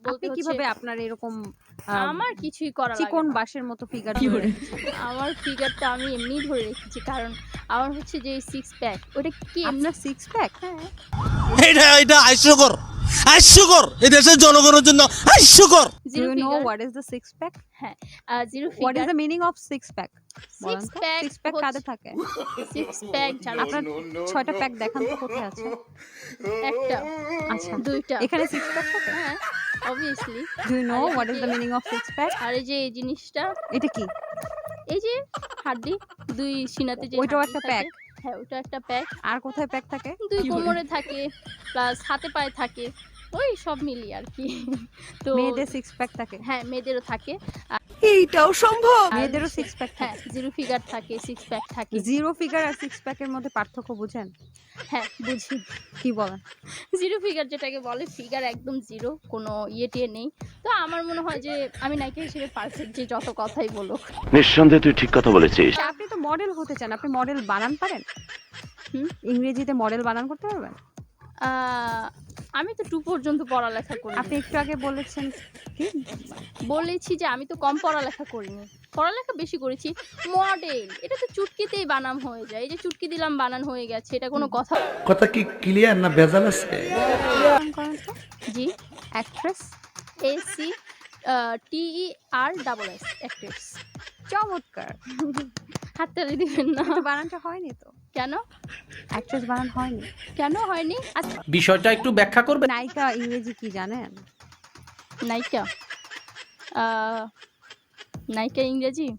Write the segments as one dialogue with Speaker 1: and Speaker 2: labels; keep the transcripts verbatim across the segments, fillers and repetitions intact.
Speaker 1: বলতে
Speaker 2: আপনি
Speaker 1: হচ্ছে
Speaker 2: কিভাবে আপনার এরকম আ
Speaker 1: আমার কিছুই করা লাগে
Speaker 2: চিকন
Speaker 1: না।
Speaker 2: বাঁশের মতো ফিগার ধরে রেখেছেন?
Speaker 1: আমার ফিগারটা আমি এমনিই ধরে রেখেছি। কারণ আমার হচ্ছে যে সিক্স প্যাক ওটা কি এমনি
Speaker 2: আপনার সিক্স প্যাক?
Speaker 1: হ্যাঁ,
Speaker 3: এটা এটা হাস্যকর হাস্যকর এই দেশের জনগণের জন্য হাস্যকর।
Speaker 2: Do
Speaker 1: zero
Speaker 2: you know
Speaker 1: figure
Speaker 2: what is the six pack?
Speaker 1: হ্যাঁ, uh zero
Speaker 2: what is
Speaker 1: figure
Speaker 2: the meaning of six pack? বলেন
Speaker 1: সিক্স
Speaker 2: তো।
Speaker 1: প্যাক
Speaker 2: সিক্স প্যাক কাদের থাকে?
Speaker 1: সিক্স প্যাক যারা
Speaker 2: আপনার ছয়টা প্যাক দেখান তো কোথায় আছে?
Speaker 1: একটা,
Speaker 2: আচ্ছা।
Speaker 1: দুইটা
Speaker 2: এখানে সিক্স প্যাক থাকে?
Speaker 1: হ্যাঁ, obviously
Speaker 2: ডু ইউ নো
Speaker 1: আর
Speaker 2: হোয়াট ইস
Speaker 1: এই
Speaker 2: দ্য
Speaker 1: যে
Speaker 2: মিনিং অফ সিক্স প্যাক?
Speaker 1: আর এই যে এই জিনিসটা
Speaker 2: এটা কি?
Speaker 1: এই যে হাড্ডি দুই সিনাতে যে
Speaker 2: ওইটাও
Speaker 1: হাড্ডি
Speaker 2: একটা
Speaker 1: থাকে,
Speaker 2: প্যাক।
Speaker 1: হ্যাঁ, ওটা একটা প্যাক।
Speaker 2: আর কোথায় প্যাক থাকে?
Speaker 1: দুই
Speaker 2: কি বলেন?
Speaker 1: কোমরে থাকে প্লাস হাতে পায়ে থাকে। ওই সব মিলিয়ে আরকি। তো
Speaker 2: মেয়েদের সিক্স প্যাক থাকে?
Speaker 1: হ্যাঁ, মেয়েদেরও থাকে।
Speaker 2: এইটাও সম্ভব?
Speaker 1: আর
Speaker 2: মেয়েদেরও
Speaker 1: হচ্ছে
Speaker 2: সিক্স প্যাক
Speaker 1: হ্যাঁ,
Speaker 2: থাকে?
Speaker 1: জিরো ফিগার থাকে, সিক্স প্যাক থাকে।
Speaker 2: জিরো ফিগার আর সিক্স প্যাকের মধ্যে পার্থক্য বুঝেন?
Speaker 1: হ্যাঁ, বুঝি।
Speaker 2: কি বলেন?
Speaker 1: জিরো ফিগার যেটাকে বলে ফিগার একদম জিরো কোনো ইয়ে-টিয়ে নেই। তো আমার মনে হয় যে আমি নায়িকা হিসেবে পারফেক্ট যে যত কথাই বলুক।
Speaker 4: নিঃসন্দেহে তুই ঠিক কথা বলেছিস।
Speaker 2: আচ্ছা, আপনি তো মডেল হতে চান। আপনি মডেল বানান পারেন?
Speaker 1: হুম?
Speaker 2: ইংরেজিতে মডেল বানান করতে পারবেন?
Speaker 1: আ আমি তো টু পর্যন্ত পড়ালেখা
Speaker 2: আপনি
Speaker 1: করিনি।
Speaker 2: একটু আগে বলেছেন কি?
Speaker 1: বলেছি যে আমি তো কম পড়ালেখা করিনি। পড়ালেখা বেশি করেছি। মডেল এটা তো চুটকিতেই বানাম হয়ে যায়। এই যে চুটকি দিলাম বানান হয়ে গেছে। এটা কোনো কথা
Speaker 5: কথা কি ক্লিয়ার না ভেজাল আছে?
Speaker 2: নাম করেন তো?
Speaker 1: জি,
Speaker 2: actress?
Speaker 1: A C uh T E R double S actress.
Speaker 2: চমৎকার।
Speaker 1: হাততালি দিবেন না।
Speaker 2: কিন্তু বানানটা হয়নি তো।
Speaker 1: কেন?
Speaker 2: অ্যাক্ট্রেস বানান হয়নি।
Speaker 1: কেন হয়নি? আচ্ছা
Speaker 5: বিষয়টা একটু ব্যাখ্যা করবে?
Speaker 2: নায়িকা ইংরেজি কি জানেন?
Speaker 1: নায়িকা। আ নায়িকা ইংরেজি?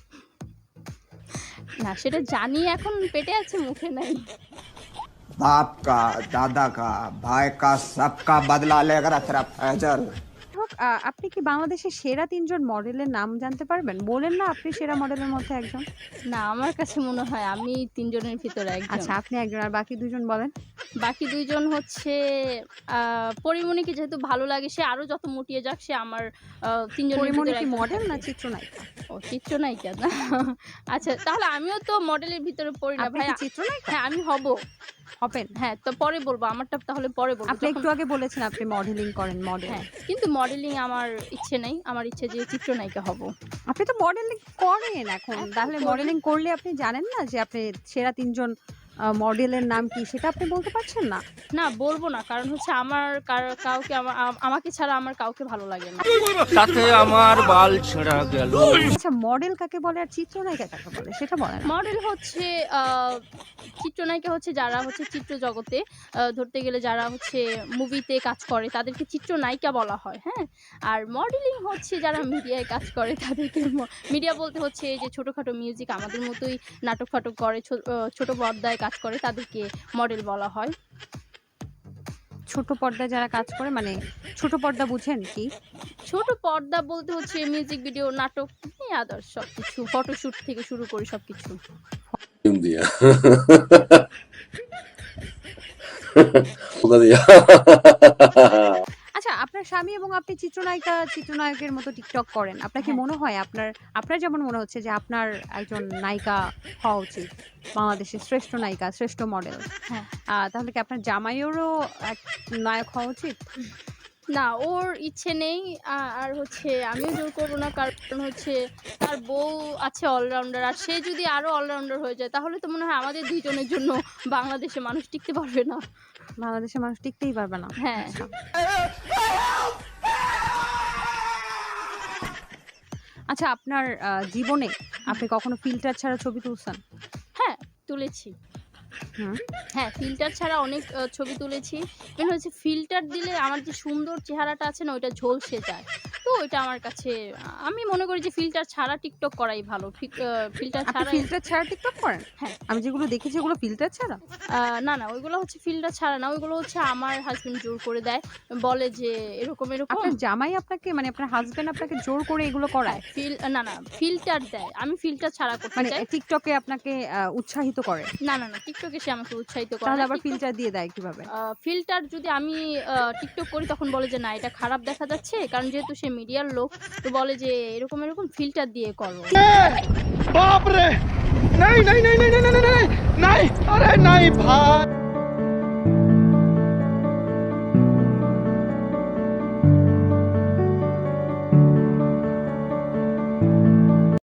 Speaker 1: না সেটা জানি এখন পেটে আছে মুখে নাই।
Speaker 6: बाप का दादा का भाई का सबका बदला लेकर अतरफ फैजल
Speaker 2: হোক, আ আপনি কি বাংলাদেশের সেরা তিনজন মডেলের নাম জানতে পারবেন? বলেন না আপনি সেরা মডেলের মধ্যে একজন।
Speaker 1: না আমার কাছে মনে হয় আমি তিন জনের ভিতরে একজন।
Speaker 2: আচ্ছা, আপনি একজন আর বাকি দুজন বলেন।
Speaker 1: বাকি দুই জন হচ্ছে আ পরিমণিকে যেহেতু ভালো লাগে সে আরো যত মুটিয়ে যাক সে আমার আ তিন জনের
Speaker 2: পরিমণি
Speaker 1: ভিতরে
Speaker 2: কি
Speaker 1: একজন
Speaker 2: মডেল
Speaker 1: থাকবে।
Speaker 2: না চিত্রনায়িকা?
Speaker 1: ও চিত্রনায়িকা না। আচ্ছা তাহলে আমিও তো মডেলের ভিতরে পড়ি না
Speaker 2: আপনি
Speaker 1: ভাই।
Speaker 2: কি চিত্রনায়িকা?
Speaker 1: হ্যাঁ আমি হব।
Speaker 2: হবেন?
Speaker 1: হ্যাঁ তো পরে বলবো আমারটা তাহলে পরে বলবো।
Speaker 2: আপনি
Speaker 1: যখন
Speaker 2: একটু আগে বলেছেন আপনি মডেলিং করেন, মডেল।
Speaker 1: হ্যাঁ কিন্তু মডেলিং আমার ইচ্ছে নেই। আমার ইচ্ছে যে চিত্রনায়িকা হব।
Speaker 2: আপনি তো মডেলিং করেন এখন।
Speaker 1: এখন
Speaker 2: তাহলে
Speaker 1: করি।
Speaker 2: মডেলিং করলে আপনি জানেন না যে আপনি সেরা তিনজন আ মডেলের নাম কি সেটা আপনি বলতে পারছেন না?
Speaker 1: না বলবো না। কারণ হচ্ছে আমার কার কাউকে আমা আ- আমাকে ছাড়া আমার কাউকে ভালো লাগে না।
Speaker 3: তাতে আমার বাল ছেঁড়া গেল।
Speaker 2: আচ্ছা, মডেল কাকে বলে আর চিত্রনায়িকা কাকে বলে সেটা বলেন।
Speaker 1: মডেল হচ্ছে আ চিত্রনায়িকা হচ্ছে যারা হচ্ছে চিত্র জগতে আ ধরতে গেলে যারা হচ্ছে মুভিতে কাজ করে তাদেরকে চিত্রনায়িকা বলা হয়, হ্যাঁ? আর মডেলিং হচ্ছে যারা মিডিয়ায় কাজ করে তাদেরকে ম মিডিয়া বলতে হচ্ছে এই যে ছোটখাটো মিউজিক আমাদের মতোই নাটক-ফাটক করে ছো অ ছোট পর্দায় কাজ করে তাদেরকে মডেল বলা হয়।
Speaker 2: ছোট পর্দায় যারা কাজ করে মানে ছোট পর্দা বুঝেন কি?
Speaker 1: ছোট পর্দা বলতে হচ্ছে মিউজিক ভিডিও, নাটক এই আদার্স সবকিছু। ফটোশুট থেকে শুরু করে সবকিছু।
Speaker 4: দিয়া ওটা দিয়া
Speaker 2: আচ্ছা, আপনার স্বামী এবং আপনি চিত্রনায়িকা, চিত্রনায়কের মতো টিকটক করেন। আপনার কি
Speaker 1: হ্যাঁ।
Speaker 2: মনে হয় আপনার আপনার যেমন মনে হচ্ছে যে আপনার একজন নায়িকা হওয়া উচিত। বাংলাদেশের শ্রেষ্ঠ নায়িকা, শ্রেষ্ঠ মডেল।
Speaker 1: হ্যাঁ।
Speaker 2: আ তাহলে কি আপনার জামাইয়েরও এক নায়ক হওয়া উচিত?
Speaker 1: না ওর ইচ্ছে নেই। আ আর হচ্ছে আমিও জোর করব না। কারণ হচ্ছে তার বউ আছে অলরাউন্ডার। আর সে যদি আরো অলরাউন্ডার হয়ে যায় তাহলে তো মনে হয় আমাদের দুই জনের জন্য বাংলাদেশে মানুষ টিকতে পারবে না।
Speaker 2: বাংলাদেশের মানুষ টিকতেই পারবে না।
Speaker 1: হ্যাঁ।
Speaker 2: আচ্ছা। আচ্ছা, আপনার আ জীবনে আপনি কখনো ফিল্টার ছাড়া ছবি তুলছেন?
Speaker 1: হ্যাঁ, তুলেছি।
Speaker 2: হুম।
Speaker 1: হ্যাঁ, ফিল্টার ছাড়া অনেক আ ছবি তুলেছি। মেন হচ্ছে ফিল্টার দিলে আমার যে সুন্দর চেহারাটা আছে না ওইটা ঝলসে যায়। তো ওইটা আমার কাছে আ আমি মনে করি যে ফিল্টার ছাড়া টিকটক করাই ভালো। ফিক আ ফিল্টার
Speaker 2: আপনি
Speaker 1: ছাড়াই
Speaker 2: ফিল্টার ছাড়া টিকটক করেন?
Speaker 1: হ্যাঁ।
Speaker 2: আমি যেগুলো দেখেছি ওগুলো ফিল্টার ছাড়া?
Speaker 1: আ না, না ওইগুলো হচ্ছে ফিল্টার ছাড়া না। ওইগুলো হচ্ছে আমার হাসব্যান্ড জোর করে দেয়। বলে যে এরকম, এরকম
Speaker 2: আপনার জামাই আপনাকে মানে আপনার হাসব্যান্ড আপনাকে জোর করে এগুলো করায়?
Speaker 1: ফিল না, না ফিল্টার দেয়। আমি ফিল্টার ছাড়া করতে
Speaker 2: মানে
Speaker 1: চাই।
Speaker 2: টিকটকে আপনাকে আ উৎসাহিত করে?
Speaker 1: না, না, না টিকটকে সে আমাকে উৎসাহিত করে
Speaker 2: তাহলে
Speaker 1: না।
Speaker 2: আবার
Speaker 1: টিকটক
Speaker 2: ফিল্টার দিয়ে দেয় কিভাবে?
Speaker 1: আ ফিল্টার যদি আমি আ টিকটক করি তখন বলে যে না এটা খারাপ দেখা যাচ্ছে। কারণ যেহেতু সে মিডিয়ার লোক তো বলে যে এরকম, এরকম ফিল্টার দিয়ে করো।
Speaker 3: বাপ রে! নাই নাই নাই নাই নাই নাই নাই! নাই! আরে নাই ভাই!